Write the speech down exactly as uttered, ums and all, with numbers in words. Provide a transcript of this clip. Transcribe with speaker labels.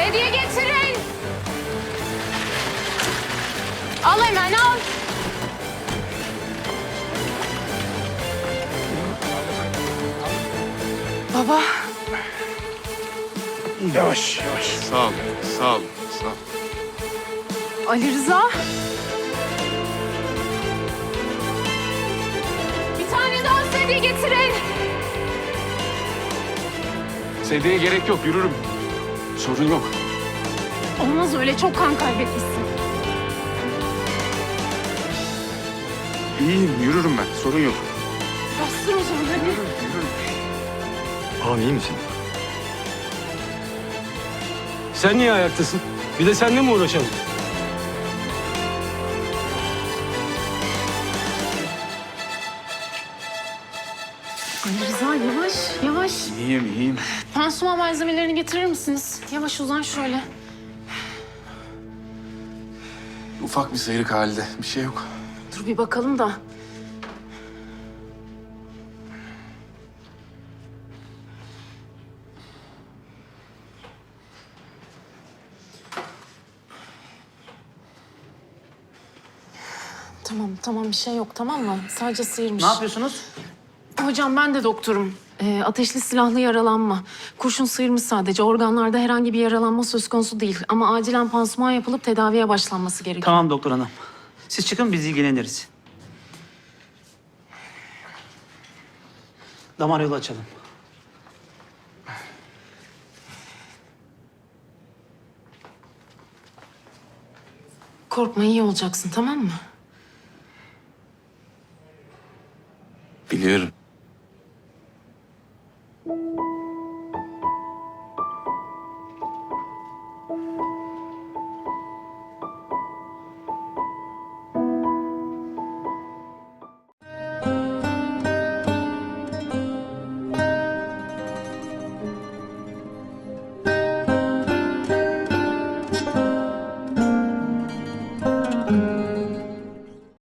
Speaker 1: Sedye getirin. Al hemen al. Baba.
Speaker 2: Yavaş yavaş.
Speaker 3: Sağ ol, sağ ol, sağ ol.
Speaker 1: Ali Rıza. Bir tane daha sedye getirin.
Speaker 3: Sedyeye gerek yok, yürürüm. Sorun yok.
Speaker 1: Olmaz öyle, çok kan kaybetmişsin.
Speaker 3: İyiyim, yürürüm ben. Sorun yok.
Speaker 1: Bastır o zaman hadi.
Speaker 3: Yürürüm, yürürüm.
Speaker 2: Ağam iyi misin?
Speaker 4: Sen niye ayaktasın? Bir de seninle mi uğraşalım?
Speaker 1: Ali Rıza yavaş yavaş.
Speaker 3: İyiyim, iyiyim.
Speaker 1: Pansuman malzemelerini getirir misiniz? Yavaş uzan şöyle.
Speaker 3: Ufak bir sıyrık halde. Bir şey yok.
Speaker 1: Dur bir bakalım da. Tamam tamam bir şey yok tamam mı? Sadece sıyırmış.
Speaker 5: Ne yapıyorsunuz?
Speaker 1: Hocam ben de doktorum. Ee, ateşli silahlı yaralanma. Kurşun sıyırmış sadece. Organlarda herhangi bir yaralanma söz konusu değil. Ama acilen pansuman yapılıp tedaviye başlanması gerekiyor.
Speaker 5: Tamam doktor hanım. Siz çıkın biz ilgileniriz. Damar yolu açalım.
Speaker 1: Korkma iyi olacaksın tamam mı?